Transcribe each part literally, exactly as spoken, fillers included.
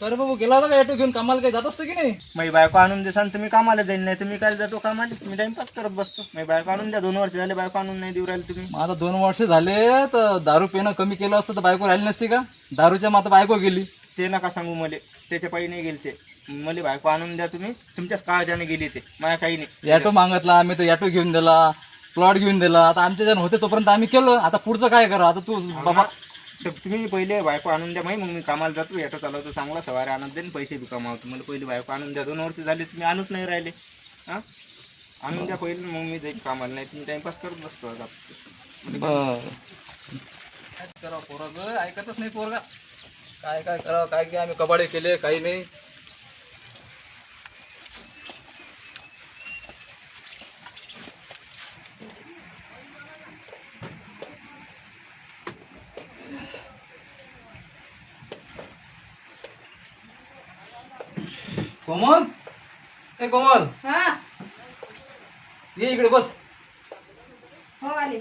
तर बाबू गेला होता का ऑटो घेऊन कामाला काही जात असतं की नाही? माझी बायको आणून देसान तुम्ही कामाला जाईल, नाही तुम्ही काय जातो कामाला, तुम्ही टाइमपास करत बसतो. माझी बायको आणून द्या, दोन वर्ष झाले बायको आणून नाही देऊ राहिले तुम्ही. मग आता दोन वर्ष झाले तर दारू पिणं कमी केलं असतं तर बायको राहिली नसती का? दारूच्या मग आता बायको गेली. ते नका सांगू मले, त्याच्या पायी नाही गेली ते. मला बायको आणून द्या तुम्ही, तुमच्याच काळजाने गेली ते, मला काही नाही. ऑटो मागितला आम्ही तर ऑटो घेऊन दिला, प्लॉट घेऊन दिला. आता आमच्या जण होते तोपर्यंत आम्ही केलं, आता पुढचं काय करा आता तू बाबा. तर तुम्ही पहिले बायको आणून द्या, माही मग मी कामाला जातो, ऑटो चालवतो चांगला, सवारी आणत देईन, पैसे बी कमावतो. मला पहिले बायको आणून द्या, दोन वर्ष झाले तुम्ही आणूच नाही राहिले. हां आणून द्या पहिले, मग मी जाईल कामाला, नाही तुम्ही टाइमपास करत बसतो. आता बर काय करावं, पोराचं ऐकतच नाही पोरगा. काय काय करावं, काय काय आम्ही कबाडे केले काही नाही. कोमल, ए कोमल, हा ये इकडे बस. हो आले.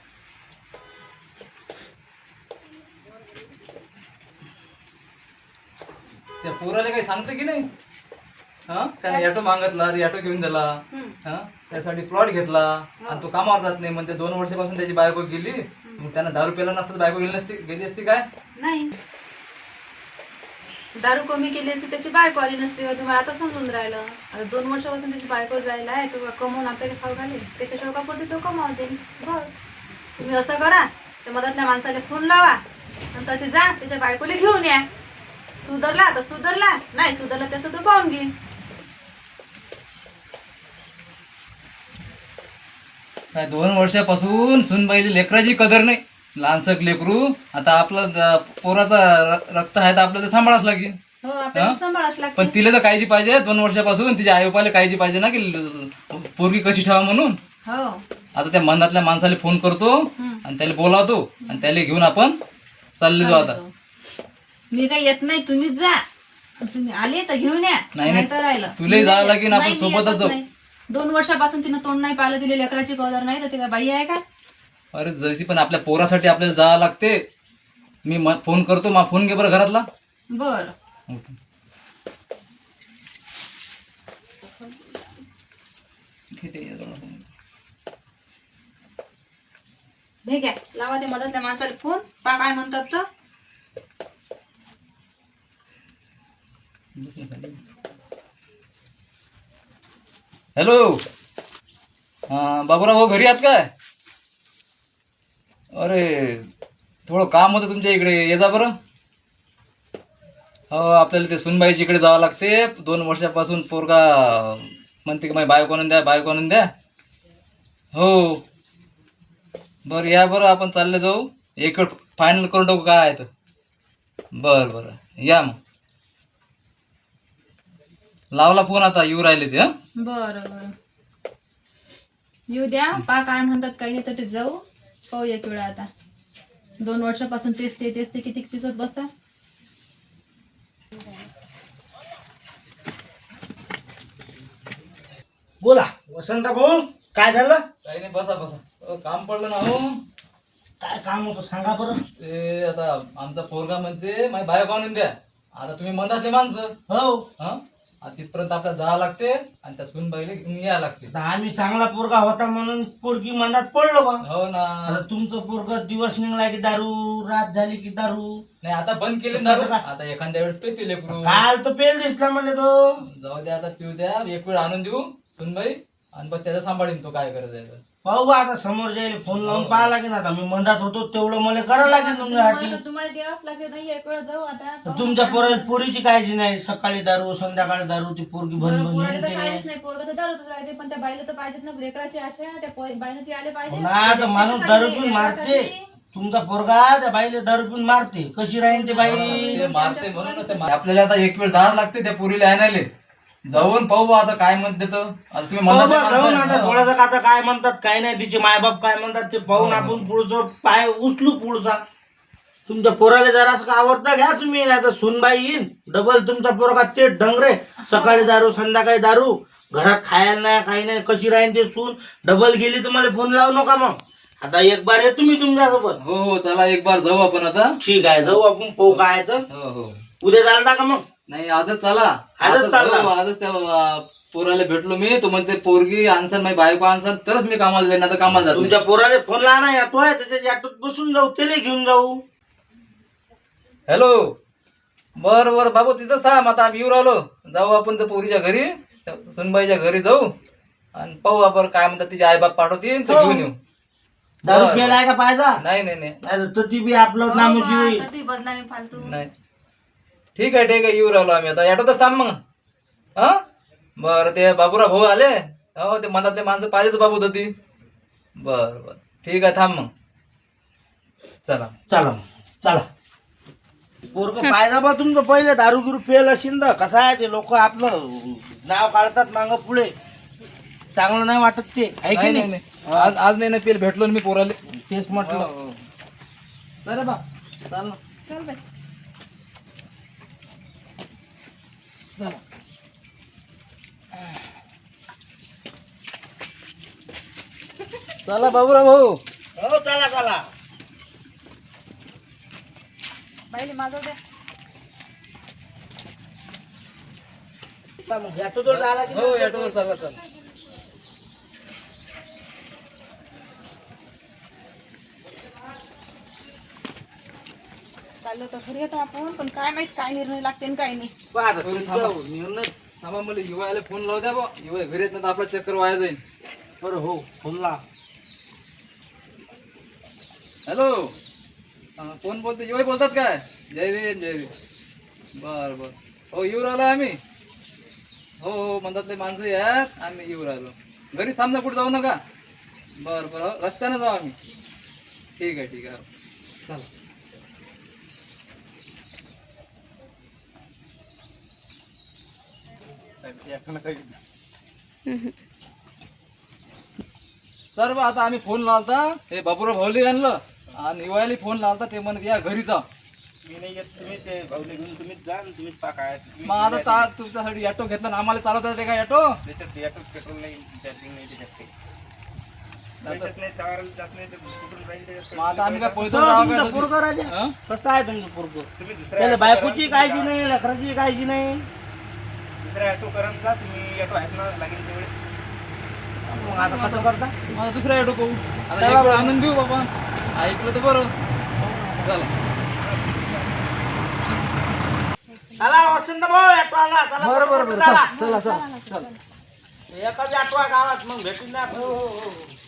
त्या पोराला काही सांगते की नाही? हा त्याने ऑटो मागितला, ऑटो घेऊन दिला. हा त्यासाठी प्लॉट घेतला आणि तो कामावर जात नाही म्हणते. दोन वर्षापासून त्याची बायको गेली. मग त्यानं दारू प्याला नसतं तर बायको गेली नसती, गेली असती काय? नाही, दारू कमी केली असती त्याची बायको आली नसती. तुम्हाला आता समजून राहिलं. आता दोन वर्षापासून त्याची बायको जायला आहे, तो कमवून आपल्याला खाऊ घालेल, त्याच्या शोकापुरती तो कमावते. बस तुम्ही असं करा, त्या मधातल्या माणसाला फोन लावा, नंतर ते जा त्याच्या बायकोला घेऊन या. सुधरला तर सुधरला, नाही सुधरला तसं तो पाहून घे. काय दोन वर्षापासून सुनबाईली लेकराची कदर नाही. लहानसक लेकरू, आता आपलं द- पोराचा र- रक्त आहे तर आपल्याला सांभाळाच लागेल. हो आपल्याला सांभाळाच पण लागते. तिला तर काळजी पाहिजे. दोन वर्षापासून तिच्या आई बापाला काळजी पाहिजे ना की ल- पोरगी कशी ठेवा म्हणून. हो आता त्या मनातल्या माणसाला फोन करतो आणि त्याला बोलावतो आणि त्याला घेऊन आपण चालले जाऊ. आता मी काही येत नाही, तुम्हीच जा. तुम्ही आले तर घेऊन या, नाही, नाही तर राहिलं. तुलाही जावं लागेल, आपण नाही, मी सोबतच येतच जाऊ. नाही. दोन वर्षापासून तिनं तोंड नाही पाहिलं, तिला लेकराची कदर नाही, तर ती काय बाई आहे का? अरे जशी पण आपल्या पोरासाठी आपल्याला जावं लागते. मी म फोन करतो, मा फोन घे बरं घरातला. बर घेते याजवळ फोन. हे घ्या, लावा ते मधातल्या माणसाला फोन, पा काय म्हणतात तर. हॅलो, हां बाबूराव भाऊ घरी आहात काय? अरे थोडं काम होतं तुमच्या इकडे, ये जा बरं. हो आपल्याला ते सुनबाईच्या इकडे जावं लागते. दोन वर्षापासून पोरगा म्हणते की माझी बायको आणून द्या, बायको आणून द्या. हो बरं या बरं, आपण चालले जाऊ. एक फायनल करून टाकू काय आहे तर. बरं बरं या मग. लावला फोन, आता येऊ राहिले ते. हं बर बर येऊ द्या, पा काय म्हणतात काही नाही, तर ते जाऊ पाहू एक वेळा. आता दोन वर्षापासून तेच ते तेच ते किती पिसत बसता. बोला वसंत भाऊ, काय झालं? काही नाही, बसा बसा. अ, काम पडलं ना हो. काय काम होतं सांगा बरं. ते आता आमचा पोरगा म्हणते माझी बायको आणून द्या. आता तुम्ही मनातले माणसं, हो, हा तिथपर्यंत आपल्याला जावं लागते आणि त्या सुनबाईला घेऊन यावं लागते. आता आम्ही चांगला पोरगा होता म्हणून पोरगी मनात पडलो बा. हो ना. आता तुमचं पोरग दिवस निघला की दारू, रात झाली की दारू. नाही आता बंद केले ना दारू. आता एखाद्या वेळेस पेतील लेकरू. काल तर पेल दिसला मला तो. जाऊ द्या, आता पिऊ द्या. एक वेळ आणून देऊ सुनबाई आणि बस त्याचा सांभाळीन तो काय करायचं आहे. पाहू बा, आता समोर जायला फोन लावून पाहा लागेल. आता मी मनात होतो तेवढं मला करावं लागेल तुमच्यासाठी. तुम्हाला तुम्हाला द्यावाच लागेल. नाही एक वेळा जाऊ आता. तुमच्या पोरा पोरीची काळजी नाही. सकाळी दारू, संध्याकाळी दारू, ती पोरगी बरं, बन पोराला तर बन काहीच नाही, पोरगं तर दारूतच राहते, पण त्या बाईला तर पाहिजेत ना लेकराची आशा. त्या पोरी- बाईनं ती आले पाहिजे. ना तर माणूस दारू पिऊन मारते. तुमचा पोरगा त्या बाईला दारू पिऊन मारते, कशी राहीन ते बाई. ते मारते म्हणूनच ते मार- आपल्याला आता एक वेळ जावं लागते त्या पुरीला आणायला. जाऊन पाहू बा आता काय म्हणते तर. आता तुम्ही पाहू मनातले बा, माणसं जाऊन आहे. आता हो. थोडंसं आता काय म्हणतात काय नाही, तिचे मायबाप काय म्हणतात ते पाहून हो, हो. आपण पुढचं पाय उचलू पुढचा. तुमच्या पोराला जरासं आवडतं घ्या तुम्ही. आता सुनबाई येईन डबल तुमचा पोरगा ते डंगरे, सकाळी दारू संध्याकाळी दारू, घरात खायला नाही काही नाही, कशी राहीन ते सून. डबल गेली तर मला फोन लावू नका मग. आता एक बार ये तुम्ही तुमच्यासोबत. हो हो चला एक बार जाऊ आपण आता. ठीक आहे, जाऊ आपण पाहू काय आहे तर. हो हो उद्या चालता का मग? नाही आजच चला आजच चालला? हो, आजच त्या अं, पोराला भेटलो मी. तो म्हणते पोरगी आणसान माझी बायको आणसान तरच मी कामाला जाईन, आता कामाला जात तुमच्या पोराला फोन लावा ना, ऑटो आहे त्याच्या ऑटोत बसून जाऊ, त्याला घेऊन जाऊ. हॅलो. बर बर बाबू तिथंच थांब, आता आम्ही येऊ राहिलो. जाऊ आपण त्या पोरीच्या घरी, त्या सुनबाईच्या घरी जाऊ आणि पाहू आपण काय म्हणतात, तिचे आई बाप पाठवतील तर हो. घेऊन येऊ. दारू बरं, प्यायला आहे का पाहिजे? नाही नाही नाही नाही तर ती बी आपलं नामुशी होईल. तटी बदला मी फालतू. नाही ठीक आहे ठीक आहे, येऊ राहिलो आम्ही आता. ऑटोतच थांब मग. हा बरं, ते बाबूराव भाऊ आले. हो, ते मनातले माणसं पाहिजेत बाबू तर ती. बर बर ठीक आहे, थांब मग. चला चला मग, चला. पोरग पाहिजे बा तुमचं. पहिले दारू गिरू पेल असेल तर कसं आहे, ते लोक आपलं नाव काढतात मागं पुढे, चांगलं नाही वाटत ते, आहे की नाही नाही नाही? नाही. आज आज नाही ना पेल भेटलो ना मी पोराले. तेच म्हटलं. चला बा, चाल ना. चल बाई. चला. चला बाबूराव भाऊ. हो चला चला. बाईले माझं द्या. चला मग, ऑटो जवळ झाला की हो ऑटोवर चला चला. चाललो तर घरी येतो आपण, पण काय माहित काय निर्णय लागते आणि काय नाही. पहा आता बरं, तुमचा थांबा. निर्णय. थांबा, मला युवायला फोन लावू द्या बा. युवा घरी येत नाही तर आपला चक्कर वाया जाईल. बरं हो, फोन ला. हॅलो. हा, कोण बोलतो? युवा बोलतात काय? जय भीम जय भीम. बर बर हो, येऊ राहिलो आम्ही. हो हो, म्हणतातले माणसं यात, आम्ही येऊ राहिलो. घरी थांब ना, कुठे जाऊ नका. बर बर, हो, रस्त्यानं जाऊ आम्ही. ठीक आहे ठीक आहे, हो. चला. सर बा, आता आम्ही फोन लावता, हे बाबूराव भाऊली आणलं आणि युवायला फोन लावता. ते म्हणत या घरी जा. मी नाही येत, तुम्ही ते भाऊले घेऊन तुम्हीच जा आणि तुम्हीच पा काय. मग आता ता- तुमच्यासाठी ऑटो घेतला ना, आम्हाला चालवता येते का ऑटो? त्याच्यात याच्यात पेट्रोल नाही, चार्जिंग नाही त्याच्यात काही. त्याच्यात नाही, चारायला जात नाही, ते कुठून जाईल त्याच्यात. मग आता आम्ही काय पैसे कसं जावं तुमचं काय? पोरगं राजा? हं? कसं आहे तुमचं पोरगं? तुम्ही त्याला दुसऱ्या बायकोची काळजी नाही, लेकराची काळजी नाही. दुसऱ्या ऑटो करत जा तुम्ही. ऑटो आहेत ना लागेल तेवढे. मग आता कसं करता? माझा दुसरा ऑटो पाहू. आता एक वेळ आणून देऊ बाबा. ऐकलं तर बरं. चला. चला वसंत भाऊ, ऑटो आला. चला बरं बरं बरं, चला. चला चला चला चला. एकाच ऑटो आहे गावात, मग भेटून द्या. हो हो हो.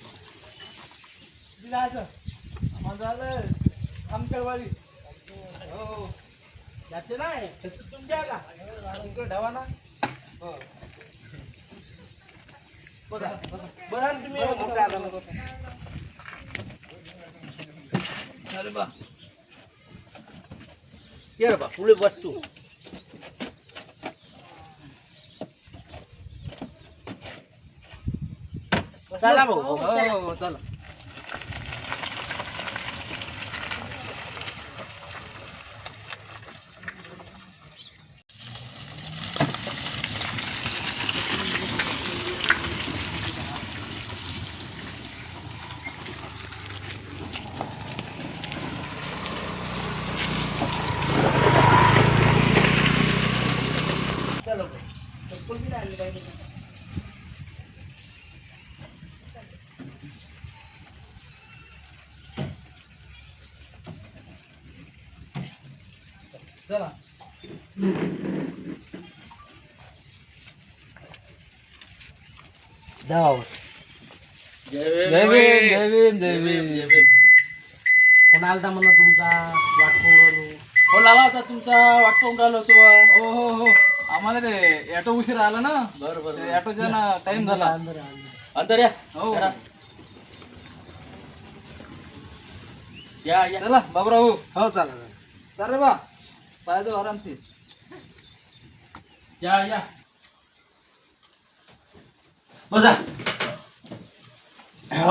जायचं. आम्हाला झालं आमकरवाडी. हो. जाते नाही तुमच्या का इकडे ठेवा ना. हो. बघा बघा ना तुम्ही मोठे आला. अरे बा. ये रे बा, पुढे बस तू. चला भाऊ. हो हो हो, चला. चलो भाऊ. चप्पल बी नाही आणली पाहिजे. चला. जाऊ. जय भीम जय भीम जय भीम. कोण आलता म्हणा तुमचा वाट पाहून राहिलो. हो लावा आता तुमचा वाट पाहून राहिलो तू. हो हो हो, आम्हाला ते ऑटो उशीर आला ना. बरं बरं, ऑटोचा ना टाइम झाला. अंदर आहे, अंदर. अंतर या. हो या या. चला बाबूराव. हो चला चला. चल रे बा, पाय दो आरामशीर. या या. बसा. हो.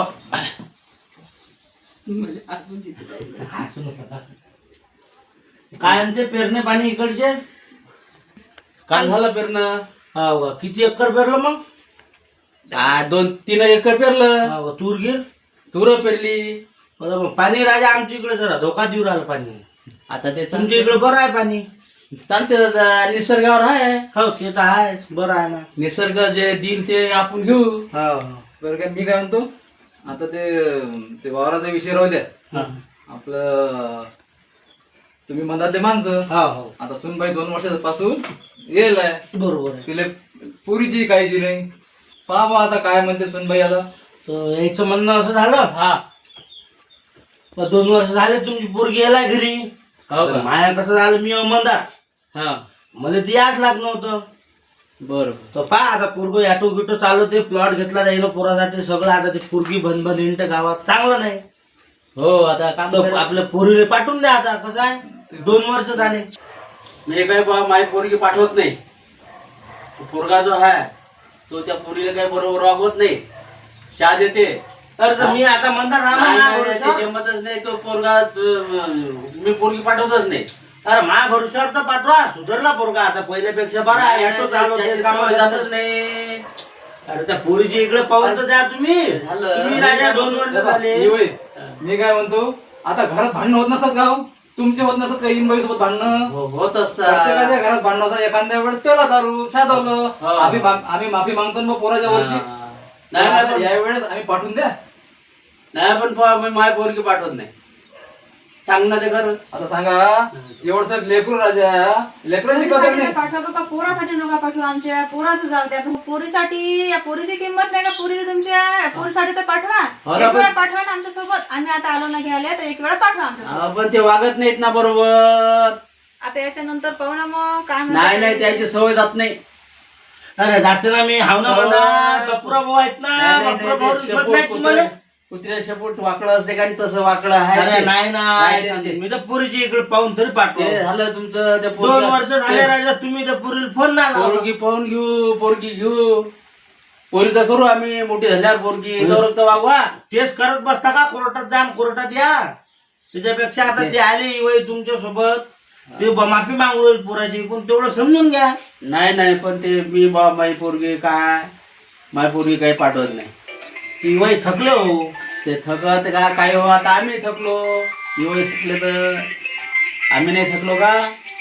हसू नका. काय म्हणते पेरणे पाणी इकडचे? काल झालं पेरणं. हो का? किती एकर पेरलं मग? आ, दोन तीन एकर पेरलं. हो का? तूर गिर. तुरं पेरली. बरं मग पाणी राजा आमच्या इकडे जरा धोका देऊ राहिलं पाणी. आता ते तुमच्या इकडे बरं आहे पाणी. चालते दादा, निसर्गावर आहे. हो ते तर आहेच, बरं आहे ना. निसर्ग जे देईल ते आपण घेऊ. हो हो बरं काय मी काय म्हणतो, आता ते ते वावराचा विषय राहू द्या. हा. आपलं तुम्ही मधातले माणसं, हो हो आता सुनबाई दोन वर्षापासून येईल आहे, बरोबर आहे. तिला पुरीची काळजी नाही. पहा बा आता काय म्हणते सुनबाई आता. तर याचं म्हणणं असं झालं, हा तर दोन वर्ष झाले तुमची पोरगी यायला घरी. हो तर का? माया कसं झालं, मी अमंदार, हा मला ते याच लागलं नव्हतं. बरोबर. तर पहा आता पोरग ॲटो गिटो चालवते, प्लॉट घेतला जाईल पोरासाठी सगळं. आता ते पोरगी बंद बंद इंट गावात चांगलं नाही. हो आता काम तर करा. आपल्या पोरीला पाठवून द्या. आता कसं आहे, दोन वर्ष झाले. मी काय बा माझी पोरगी पाठवत नाही. तो पोरगा जो आहे तो त्या पोरीला काही बरोबर वागवत नाही, चहा देते. तर तर मी आता म्हणता नाही, रामा नाही, नाही, ते जमतच नाही. तो पोरगा अं, मी पोरगी पाठवतच नाही. अरे मा भरोश्यावर तर पाठवा, सुधारला पोरगा आता पहिल्यापेक्षा बरा आहे. ॲटो चालवते, त्याची कामाला सवय जातच जातच नाही. अरे त्या पोरीची इकडे पाहून तर द्या तुम्ही. झालं. तुम्ही राजा दोन वर्ष झाले. ये वय, मी काय म्हणतो, आता घरात भांडणं होत नसतात का हो? तुमचे होत नसतात का इन सोबत भांडणं? हो, होत असतात. प्रत्येकाच्या घरात भांडणं होतात. एखाद्या वेळेस पेला दारू शादवलं, हो. आम्ही मा- आम्ही माफी मागतो ना मग पोराच्या वरची. हा. नाही नाही, पण- या वेळेस आम्ही पाठवून द्या. नाही पण पहा, मी माझी पोरगी पाठवत नाही. सांग ना ते खरं. आता सांगा, एवढस लेकरू राजा, लेकराची कदर पोरीसाठी नाही. पाठवा बाबा, पोरासाठी नका पाठवू. आमच्या पोराचं जाऊ द्या. पण पोरीसाठी, या पोरीची किंमत नाही का पोरीला तुमच्या? पोरीसाठी तर पाठवा. हो ना, एक पण- वेळा पाठवा ना आमच्या सोबत. आम्ही आता आलो ना घ्यायला, तर एक वेळा पाठवा आमच्या सोबत. हा, पण ते वागत नाहीत ना बरोबर. आता याच्या नंतर पाहू ना मग काय नाही म्हणतात. नाही, त्याची सवय जात नाही. अरे जाते ना मी, हाव ना म्हणा. बापुरा भाऊ आहेत ना, नाही, नाही, बापुरा नाही, भाऊ ते दिसत शेपूट नाही तुम्हाला. कुत्र्या- कुत्र्या शेपूट वाकडं असते का आणि तसं वाकडं आहे अरे ते. नाही ना, नाही, ऐका ते- ना, मी तर पोरीची इकडे पाहून तरी पाठवतो. ते झालं तुमचं त्या दोन पोरगा- वर्ष झाले राजा, तुम्ही त्या पोरीला फोन नाही लावला. पोरगी पाहून घेऊ, पोरगी घेऊ. पोरीचा करू आम्ही, मोठी झाल्यावर पोरगी जवळ तर वागवा. तेच करत बसता का? कोर्टात जा आणि कोर्टात या. त्याच्यापेक्षा आता ते आले वय तुमच्या सोबत, ते ब- माफी मागू राहील पोराची, पण तेवढं समजून घ्या. नाही नाही, पण ते मी बा माझी पोरगी काय माझी पोरगी काही पाठवत नाही. ती वय थकले हो. ते थकत का काय हो, आता आम्ही थकलो. एवढे थकले तर आम्ही नाही थकलो का?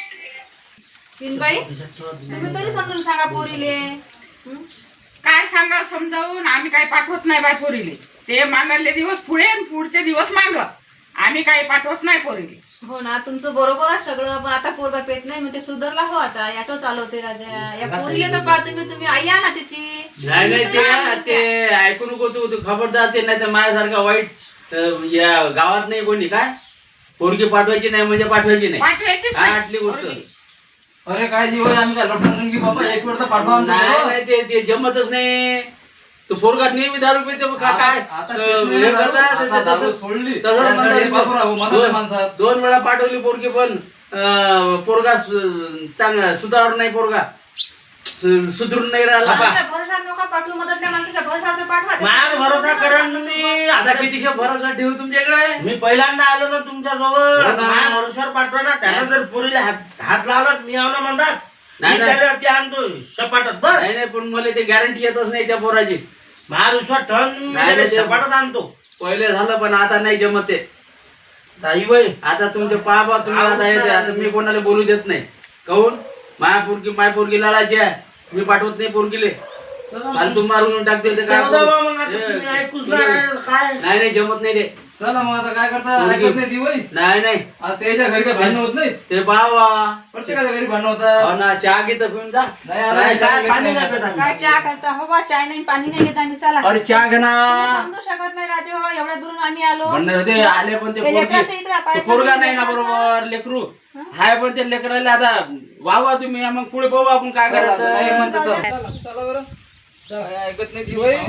पिनबाई, तुम्ही तरी समजून सांगा पोरीले. हं? काय सांगा समजावून, आम्ही काय पाठवत नाही बाय पोरीले. ते मागले दिवस पुढे आणि पुढचे दिवस माग. आम्ही काही पाठवत नाही पोरीले. हो ना, तुमचं बरोबर आहे सगळं, पण आता पोरगा पेत नाही, मग ते सुधारला हो. आता ॲटो चालवते राजा. या पोरीला तर पहा तुम्ही, तुम्ही आई आहे ना त्याची. नाही नाही, ते ते ऐकू नको तू, तू खबरदार. ते नाही तर माझ्यासारखा वाईट अं, या गावात नाही कोणी. काय पोरगी पाठवायची नाही म्हणजे पाठवायची नाही. पाठवायचीच काय नाही आटली गोष्ट? पोरगी. अरे काय जीव आहे, आम्ही काय लटकून घेऊ बाबा, एक वेळ तर पाठवा आमच्या नाही सोबत. नाही, ते ते जमतच नाही. तो पोरगा नेहमी दारू पिते मग का- काय आता- आता अं, पित नाही हे दारू, करतात, आता ते दारू तसं- सोडली. तसं त्यासाठी म्हणतात. बापरा, हो, मनातल्या दोन- माणसात. दोन वेळा पाठवली पोरगी, पण अं, पोरगा सु- चांगला सुधार नाही. पोरगा सु- सुधरून नाही राहिला. आमच्या भरोशावर नका पाठवू, मदतल्या माणसाच्या भरोशावर तर पाठवा. माझ्यावर भरोसा करा ना तुम्ही. आता किती खेप भरोसा ठेवू तुमच्याकडे? मी पहिल्यांदा आलो ना तुमच्या जवळ, हो आता ना. माझ्या भरोश्यावर पाठवा ना. त्यानं जर पोरीला हात हात लावला, मी आव ना म्हणतात. नाही, मी नाही. त्याच्यावरती आणतो सपाटात बस. नाही नाही, पण मला ते गॅरंटी येतच नाही त्या पोराची. माझ्या विश्वास ठेवून मी नाही, त्याला नाही, ते- सपाटात आणतो. पहिले झालं पण आता नाही जमत ते. ताई बाई, आता तुमचे पाबा तुम्ही आता येते. आता मी कोणाला बोलू देत नाही. काहून माया पोरगी माय पोरगी लालाची आहे. मी पाठवत नाही पोरगीले. फालतू मारून टाकते ते काय जाऊ द्या बा मग, आता हे, तुम्ही ऐकूच तुझे- नाही काय. नाही नाही, जमत नाही ते. चला मग आता काय करता, पोरगी- ऐकत नाही ती वय. नाही नाही, आता त्याच्या घरी काही भांडणं होत नाही. ते बाबा प्रत्येकाच्या घरी भांडणं होतात. हो ना, चहा घेतं पिऊन जा. नाही आता काय याच्यावर काय घेत पाणी नाही. नाही पेत आम्ही. काय चहा करता हो बा? चाय नाही, पाणी नाही घेत आम्ही. चला, अरे चहा घे ना. समजू शकत नाही राजू हो, एवढ्या दुरून आम्ही आलो. म्हणणार ते आले पण ते ते लेकराचं पोरगी इकडं पाय ते पोरगा पडून नाही ना लेकराचं. बरोबर. लेकरू हाय पण ते लेकराला आता वावा तुम्ही. मग पुढे पाहू आपण काय चला, आता नाही करायचं. म्हणते, चला चला, चला बरं. चला, हे ऐकत नाही ती वय.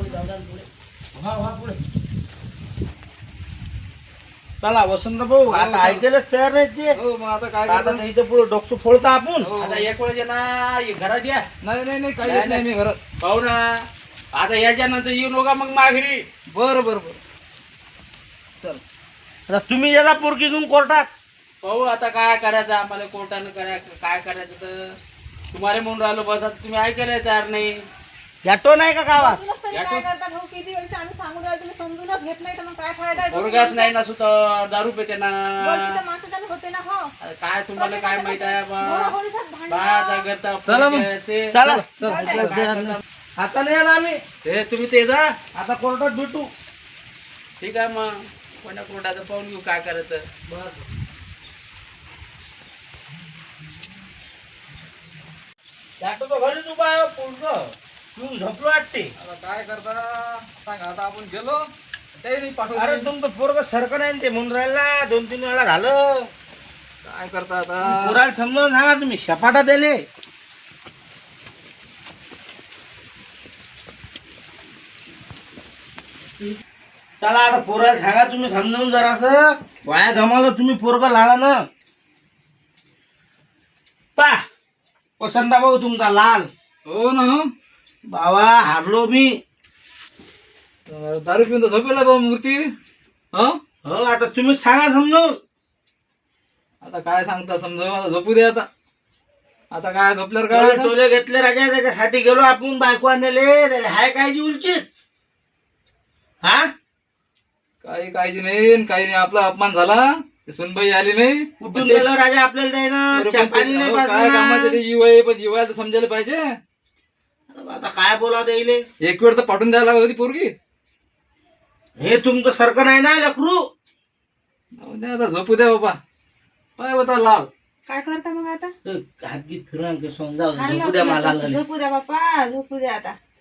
चला वसंत भाऊ, आता ऐकायलाच तयार नाही ते. हो मग आता काय आता करता? त्याच्या पुढे डोकं फोडता आपण. हो. आता एक वेळ ना हे घरात या. नाही नाही नाही, काही येत नाही मी घरात. पाहू ना. आता याच्यानंतर येऊ नका मग माघारी. बरं बरं बरं, चल. आता तुम्ही याला पोरगी घेऊन कोर्टात. पाहू आता काय करायचं आम्हाला. कोर्टानं करा काय करायचं तर तुम्हाला म्हणून राहिलो. बस आता तुम्ही ऐकायला तयार नाही. ॲटो नाही का गावात? बसूनच तरी काय करता भाऊ? किती वेळचं आम्ही सांगून राहिलो, तुम्ही समजूनच घेत नाही, तर मग काय फायदा आहे? पोरगाच नाही ना सुद्धा दारू पेते ना. बरं, तिथं माणसाच्यानं होत होते ना हो अरे काय तुम्हाला काय माहित आहे बा घरोघरीचाच भांडण. बाळाचा घरचा चला मग. परिचय असे. चला चालतंय. आता नाही येणार आम्ही हे तुम्ही ते जा आता कोर्टात भेटू ठीक आहे मग कोणा कोर्टाचं पाहून घेऊ काय करायचं डॉक्टर घरीच उभा आहे पुढचं तुम्ही झोपलो वाटते आता काय करता सांगा आता आपण गेलो काही नाही अरे पाठवलं तुमचं पोरग सरकं नाही ते म्हणून राहिला दोन तीन वेळा झालं काय करता आता पोराला समजावून सांगा तुम्ही शपाटा दिले चला आता पोराला सांगा तुम्ही समजावून जरासं वाया गमावलं तुम्ही पोरग लाडा ना पा पसंदा भाऊ तुमचा लाल हो ना हो बाबा हारलो मी दारू पिऊन तर झोपेला बाबा मूर्ती हो हो आता तुम्हीच सांगा समजावून आता काय सांगता समजा आता झोपू दे आता आता काय झोपल्यावर काय टोले होतं? टोले घेतले राजा त्याच्यासाठी गेलो आपण बायको आणले त्याला हाय कायची उलचित हा काही काळजी नाही आणि काही नाही आपला अपमान झाला ते सुनबाई आली नाही कुठून पण ते- गेलो राजा आपल्याला द्यायना बरं, चहा पण ते- पाणी नाही अहो, काय कामाचं ते पाजलं युवा आहे पण युवाला तर समजायला पाहिजे आता काय बोलावं द्यायले एक वेळ तर पाठवून द्यायला लागत होती पोरगी हे तुमचं सारखं नाही ना लेकरू जाऊ द्या आता झोपू द्या बाबा पाय होता लाल काय करता मग आता हात गीत फिरून जाऊ हारलं झोपू द्या होतं मला ना. झोपू द्या बाप्पा झोपू द्या आता